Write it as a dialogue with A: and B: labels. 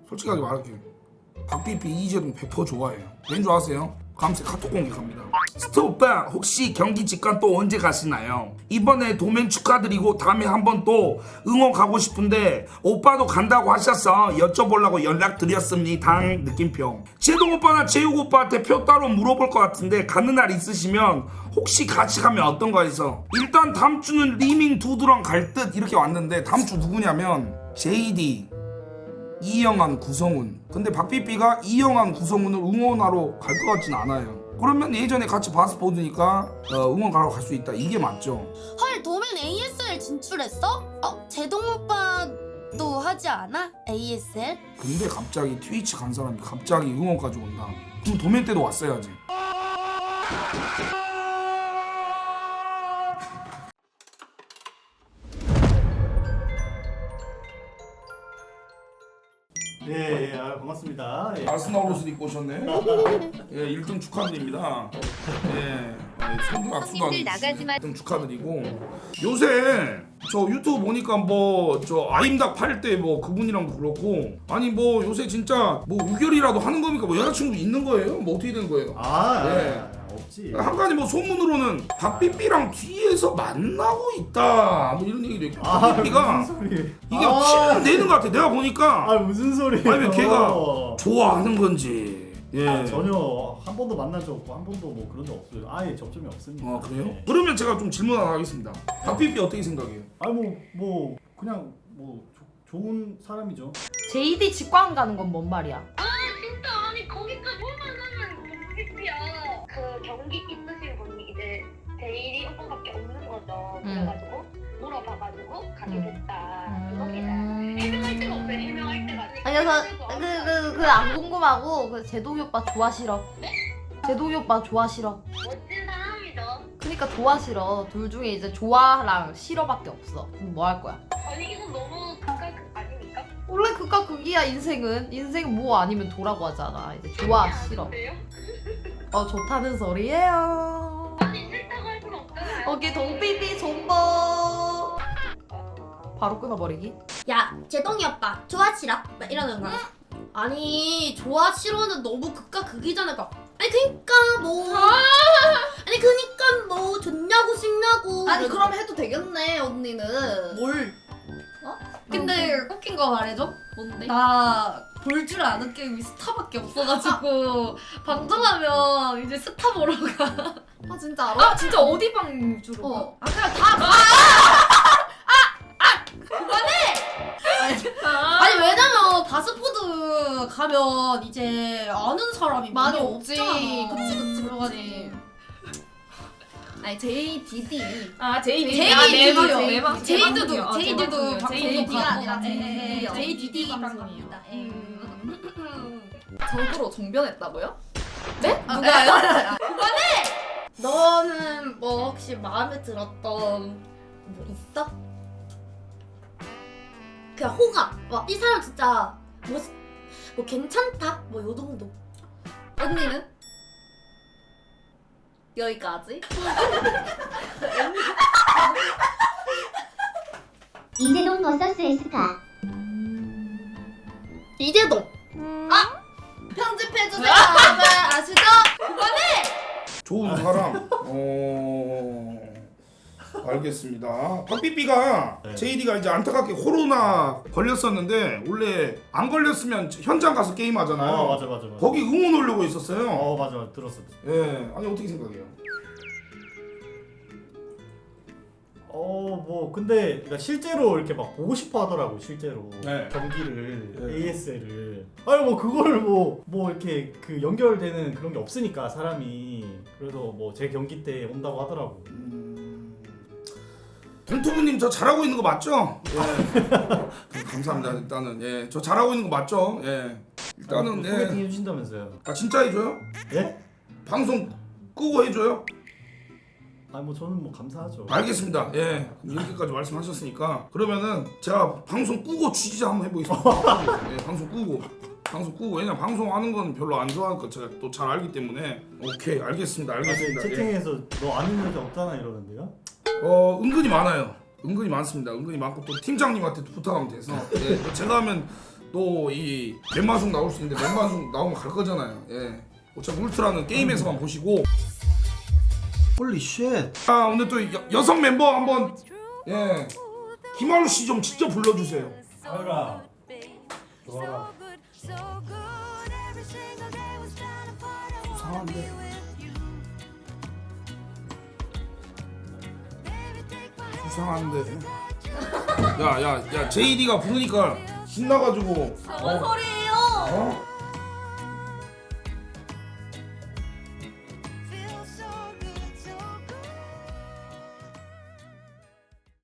A: 솔직하게 말할게요. 박삐삐 이재동 100% 좋아해요. 왠 줄 아세요? 감새 카톡 공격합니다. 스톱 오빠 혹시 경기 직관 또 언제 가시나요? 이번에 도면 축하드리고 다음에 한번 또 응원 가고 싶은데 오빠도 간다고 하셔서 여쭤보려고 연락드렸습니다. 느낌표. 제동 오빠나 재욱 오빠한테 표 따로 물어볼 것 같은데 가는 날 있으시면 혹시 같이 가면 어떤가 해서. 일단 다음 주는 리밍 두두랑 갈 듯 이렇게 왔는데 다음 주 누구냐면 JD, 이영환, 구성훈. 근데 박삐삐가 이영환, 구성훈을 응원하러 갈 것 같진 않아요. 그러면 예전에 같이 봐서 보니까 응원 가러 갈 수 있다. 이게 맞죠?
B: 헐, 도면 ASL 진출했어? 제동 오빠도 하지 않아? ASL?
A: 근데 갑자기 트위치 간 사람이 갑자기 응원까지 온다. 그럼 도면 때도 왔어야지.
C: 예, 반갑습니다. 예.
A: 아스날 옷을 입고 오셨네. 예, 1등 축하드립니다. 예, 선두 악수도 안 1등 축하드리고. 요새 저 유튜브 보니까 뭐 저 아임닭 팔 때 뭐 그분이랑도 그렇고, 아니 뭐 요새 진짜 뭐 우결이라도 하는 겁니까? 뭐 여자친구 있는 거예요? 뭐 어떻게 된 거예요? 예.
C: 없지.
A: 한 가지 뭐 소문으로는 박삐삐랑 뒤에서 만나고 있다 뭐 이런 얘기도 있고. 박삐삐가
C: 무슨 소리?
A: 이게 티는 내는 것 같아. 내가 보니까
C: 무슨 소리?
A: 아니면 걔가 좋아하는 건지. 예.
C: 전혀 한 번도 만난 적 없고 한 번도 뭐 그런 적 없어요. 아예 접점이 없으니까.
A: 아 그래요?
C: 예.
A: 그러면 제가 좀 질문 하나 하겠습니다. 박삐삐 어떻게 생각해요?
C: 뭐 그냥 뭐 좋은 사람이죠.
D: JD 직관 가는 건 뭔 말이야?
E: 아 진짜 아니 거기까지 뭐만 하면 공식이야. 그 경기 있으신 분이 이제 제일이 오빠밖에 없는 거죠. 그래가지고 물어봐가지고 가게 됐다. 이겁니다. 해명할 데가 없어요. 해명할 데가.
D: 아니 그 안 궁금하고 그 제동이 오빠 좋아 싫어?
E: 네?
D: 제동이 오빠 좋아 싫어?
E: 멋진 사람이죠.
D: 그니까 좋아 싫어. 둘 중에 이제 좋아랑 싫어밖에 없어. 그럼 뭐 할 거야?
E: 아니 이건 너무 극과 극 아닙니까?
D: 원래 극과 극이야 인생은. 인생은 뭐 아니면 도라고 하잖아. 이제 좋아 싫어.
E: 아닌데요?
D: 좋다는 소리예요.
E: 아니 싫다고 할 수는 없잖아요.
D: 오케이 동삐삐 존버. 바로 끊어버리기.
B: 야, 제동이 오빠 좋아 싫어? 막 이러는 거야. 아니, 좋아 싫어는 너무 극과 극이잖아. 아니 그니까 뭐 아니 그니까 뭐 좋냐고 싫냐고.
F: 아니 그럼 해도 되겠네 언니는.
B: 뭘?
F: 근데 웃긴 거 말해줘?
B: 뭔데?
F: 나 볼 줄 아는 게임이 스타밖에 없어가지고 방송하면 이제 스타 보러 가.
B: 아 진짜 알아?
D: 아 진짜 어디 방 주로?
F: 어.
B: 아 그냥 다 가. 아니 왜냐면 바스포드 가면 이제 아는 사람이
F: 많이
B: 많이
F: 없지.
B: 없잖아.
F: 그치
B: 그래가지고
F: 아니 JDD.
D: 아
B: JDD요. 제이드도
F: 방송이요.
B: JDD가 아니라
F: JDD요.
B: JDD 방송입니다.
F: 적으로 정변했다고요?
B: 네? 누가요? 너는 뭐 혹시 마음에 들었던 뭐 있어? 그냥 호감. 와, 이 사람 진짜 뭐 괜찮다. 뭐 요 정도.
F: 언니는? 여기까지?
G: 이재동 vs 에스카.
B: 이재동.
F: 편집해주세요 여러분 아시죠?
A: 좋은 사람. 알겠습니다. 박삐삐가
C: 네.
A: JD가 이제 안타깝게 코로나 걸렸었는데 원래 안 걸렸으면 현장 가서 게임 하잖아요.
C: 맞아.
A: 거기 응원 오려고 있었어요.
C: 맞아 들었어.
A: 예. 아니 어떻게 생각해요?
C: 뭐 근데 그러니까 실제로 이렇게 막 보고 싶어 하더라고 실제로.
A: 네.
C: 경기를
A: 네.
C: ASL을. 아니 뭐 그걸 뭐 이렇게 그 연결되는 그런 게 없으니까 사람이. 그래서 뭐 제 경기 때 온다고 하더라고.
A: 동투부님 저 잘하고 있는 거 맞죠? 예. 감사합니다. 일단은 예, 저 잘하고 있는 거 맞죠? 예. 일단은
C: 소개팅
A: 예.
C: 해주신다면서요?
A: 아 진짜 해줘요?
C: 예?
A: 방송 끄고 해줘요?
C: 아니 뭐 저는 뭐 감사하죠.
A: 알겠습니다. 예. 이렇게까지 말씀하셨으니까 그러면은 제가 방송 끄고 취재 한번 해보겠습니다. 예, 방송 끄고 왜냐 방송하는 건 별로 안 좋아하니까 제가 또 잘 알기 때문에. 오케이 알겠습니다. 알겠습니다. 예.
C: 채팅에서 너 아는 여자 없잖아 이러는데요?
A: 은근히 많아요. 은근히 많습니다. 은근히 많고 또 팀장님한테도 부탁하면 돼서 예, 제가 하면 또 이 멤마송 나올 수 있는데 멤마송 나오면 갈 거잖아요. 예. 어차피 울트라는 게임에서만 보시고.
C: 홀리 쉣.
A: 아 오늘 또 여성 멤버 한번 예 김하루 씨 좀 직접 불러주세요.
C: 하루라. 좋아라.
A: 이상한데. 이상한데. 야야야 JD가 부르니까 신나가지고.
F: 뭔 소리예요?
A: 어?